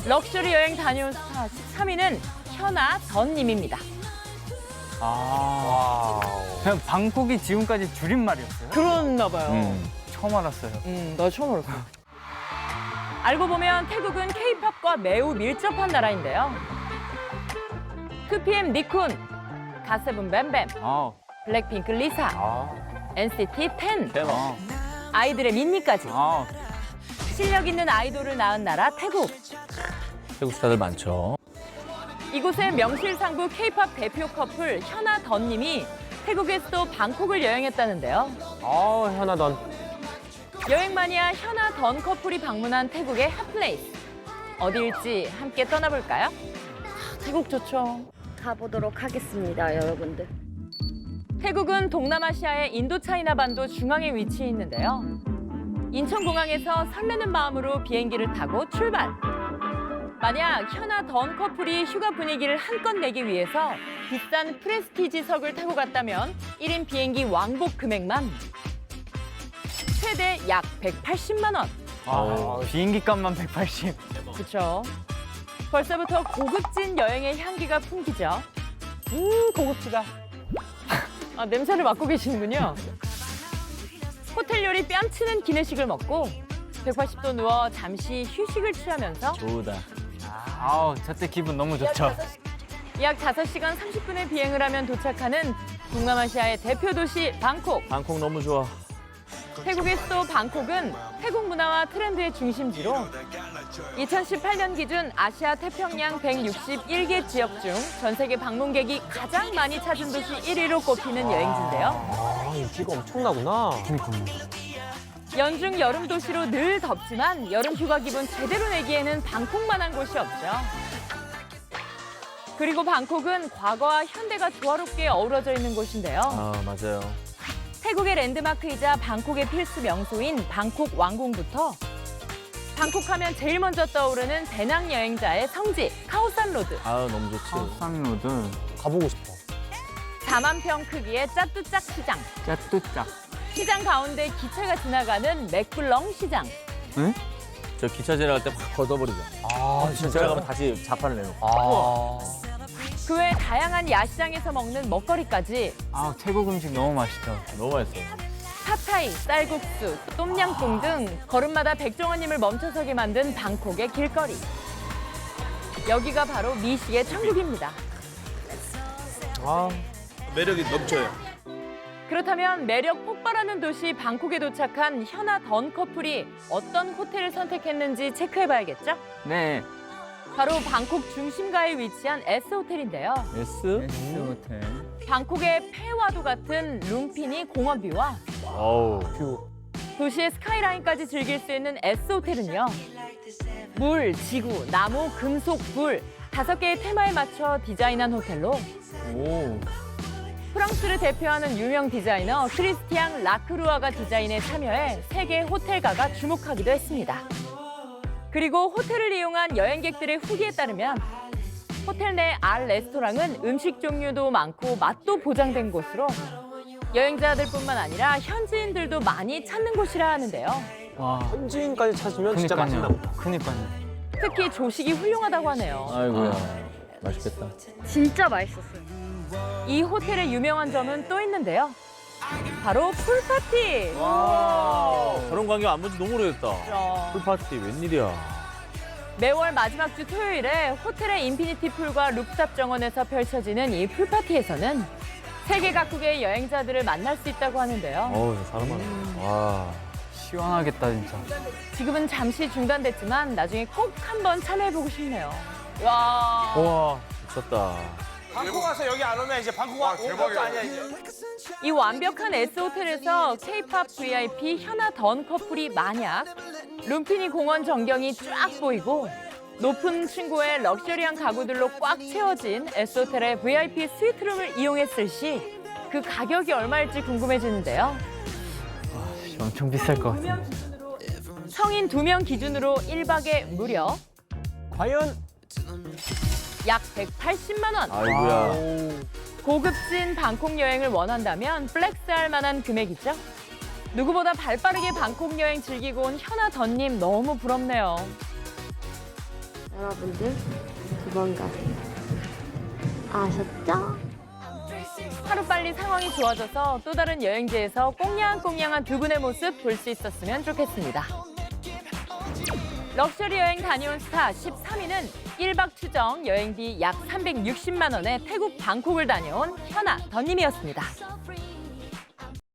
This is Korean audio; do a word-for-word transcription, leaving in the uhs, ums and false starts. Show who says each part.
Speaker 1: 럭셔리 여행 다녀온 스타 십삼 위는 현아 던님입니다.
Speaker 2: 아, 그냥 방콕이 지금까지 줄임말이었어요?
Speaker 1: 그렇나 봐요.
Speaker 2: 음, 처음 알았어요.
Speaker 1: 음, 나 처음 알았어. 알고 보면 태국은 케이팝과 매우 밀접한 나라인데요. 투피엠 니쿤, 갓세븐 뱀뱀,
Speaker 2: 아,
Speaker 1: 블랙핑크 리사,
Speaker 3: 아,
Speaker 1: 엔시티 텐,
Speaker 2: 아,
Speaker 1: 아이들의 민니까지
Speaker 2: 아.
Speaker 1: 실력 있는 아이돌을 낳은 나라 태국.
Speaker 3: 태국 스타들 많죠.
Speaker 1: 이곳의 명실상부 케이팝 대표 커플 현아 던님이 태국의 수도 방콕을 여행했다는데요.
Speaker 3: 아, 현아던.
Speaker 1: 여행 마니아 현아 던 커플이 방문한 태국의 핫플레이스. 어디일지 함께 떠나볼까요? 태국 좋죠.
Speaker 4: 가보도록 하겠습니다, 여러분들.
Speaker 1: 태국은 동남아시아의 인도차이나 반도 중앙에 위치해 있는데요. 인천공항에서 설레는 마음으로 비행기를 타고 출발. 만약 현아 던 커플이 휴가 분위기를 한껏 내기 위해서 비싼 프레스티지석을 타고 갔다면 일 인 비행기 왕복 금액만 최대 약 백팔십만 원.
Speaker 2: 아, 비행기 값만 백팔십.
Speaker 1: 그렇죠. 벌써부터 고급진 여행의 향기가 풍기죠. 음, 고급지다. 아, 냄새를 맡고 계시는군요. 호텔 요리 뺨치는 기내식을 먹고 백팔십 도 누워 잠시 휴식을 취하면서
Speaker 3: 좋다.
Speaker 2: 아우, 저때 기분 너무 좋죠.
Speaker 1: 약 다섯 시간 삼십 분의 비행을 하면 도착하는 동남아시아의 대표 도시 방콕.
Speaker 3: 방콕 너무 좋아.
Speaker 1: 태국의 수도 방콕은 태국 문화와 트렌드의 중심지로 이천십팔 년 기준 아시아 태평양 백육십일 개 지역 중 전 세계 방문객이 가장 많이 찾은 도시 일 위로 꼽히는 여행지인데요.
Speaker 3: 아, 인기가 엄청나구나.
Speaker 1: 연중 여름 도시로 늘 덥지만 여름 휴가 기분 제대로 내기에는 방콕만한 곳이 없죠. 그리고 방콕은 과거와 현대가 조화롭게 어우러져 있는 곳인데요.
Speaker 3: 아, 맞아요.
Speaker 1: 태국의 랜드마크이자 방콕의 필수 명소인 방콕 왕궁부터 방콕하면 제일 먼저 떠오르는 배낭 여행자의 성지 카오산 로드.
Speaker 3: 아, 너무 좋지.
Speaker 2: 카오산로드,
Speaker 3: 가보고 싶어.
Speaker 1: 사만 평 크기의 짜뚜짝 시장.
Speaker 2: 짜뚜짝.
Speaker 1: 시장 가운데 기차가 지나가는 맥블렁 시장.
Speaker 2: 응?
Speaker 3: 저 기차 지나갈 때 확 걷어버리죠.
Speaker 2: 아,
Speaker 3: 기차 지나가면 다시 자판을 내놓고.
Speaker 2: 아.
Speaker 1: 그 외 다양한 야시장에서 먹는 먹거리까지
Speaker 2: 아, 태국 음식 너무 맛있죠.
Speaker 3: 너무 맛있어.
Speaker 1: 팟타이, 쌀국수, 똠양꿍 등 걸음마다 백종원님을 멈춰서게 만든 방콕의 길거리. 여기가 바로 미식의 천국입니다.
Speaker 3: 아,
Speaker 5: 매력이 넘쳐요.
Speaker 1: 그렇다면 매력 폭발하는 도시 방콕에 도착한 현아 던 커플이 어떤 호텔을 선택했는지 체크해봐야겠죠?
Speaker 2: 네.
Speaker 1: 바로 방콕 중심가에 위치한 S호텔인데요.
Speaker 3: S?
Speaker 2: S 호텔.
Speaker 1: 방콕의 폐와도 같은 룸피니 공원뷰와
Speaker 3: 어우, 뷰.
Speaker 1: 도시의 스카이라인까지 즐길 수 있는 S호텔은요. 물, 지구, 나무, 금속, 불 다섯 개의 테마에 맞춰 디자인한 호텔로
Speaker 2: 오.
Speaker 1: 프랑스를 대표하는 유명 디자이너 크리스티앙 라크루아가 디자인에 참여해 세계 호텔가가 주목하기도 했습니다. 그리고 호텔을 이용한 여행객들의 후기에 따르면 호텔 내 알 레스토랑은 음식 종류도 많고 맛도 보장된 곳으로 여행자들뿐만 아니라 현지인들도 많이 찾는 곳이라 하는데요.
Speaker 2: 와.
Speaker 3: 현지인까지 찾으면 진짜 맛있나 보다.
Speaker 2: 그니까요.
Speaker 1: 특히 조식이 훌륭하다고 하네요.
Speaker 3: 아이고야. 맛있겠다.
Speaker 4: 진짜 맛있었어요.
Speaker 1: 이 호텔의 유명한 점은 또 있는데요. 바로 풀파티.
Speaker 3: 저런 광경 안 본 지 너무 오래됐다.
Speaker 1: 그렇죠.
Speaker 3: 풀파티 웬일이야.
Speaker 1: 매월 마지막 주 토요일에 호텔의 인피니티 풀과 루프탑 정원에서 펼쳐지는 이 풀파티에서는 세계 각국의 여행자들을 만날 수 있다고 하는데요.
Speaker 3: 어우, 사람 많아. 와.
Speaker 2: 시원하겠다, 진짜.
Speaker 1: 지금은 잠시 중단됐지만 나중에 꼭 한번 참여해보고 싶네요. 와.
Speaker 3: 우와, 미쳤다.
Speaker 5: 방콕 와서 여기 안 오면 이제 방콕 와, 온 것도 아니야 이제.
Speaker 1: 이 완벽한 S호텔에서 케이팝 브이아이피 현아 던 커플이 만약 룸피니 공원 전경이 쫙 보이고 높은 층고의 럭셔리한 가구들로 꽉 채워진 S호텔의 브이아이피 스위트룸을 이용했을 시 그 가격이 얼마일지 궁금해지는데요.
Speaker 2: 엄청 비쌀 것 같은데.
Speaker 1: 성인 두 명 기준으로 일 박에 무려
Speaker 3: 과연?
Speaker 1: 약 백팔십만 원.
Speaker 3: 아이고야.
Speaker 1: 고급진 방콕 여행을 원한다면 플렉스할 만한 금액이죠. 누구보다 발빠르게 방콕 여행 즐기고 온 현아 던님 너무 부럽네요.
Speaker 4: 여러분들 도망가세요. 아셨죠?
Speaker 1: 하루빨리 상황이 좋아져서 또 다른 여행지에서 꽁냥꽁냥한 두 분의 모습 볼 수 있었으면 좋겠습니다. 럭셔리 여행 다녀온 스타 십삼 위는 일 박 추정 여행비 약 삼백육십만 원에 태국 방콕을 다녀온 현아 던님이었습니다.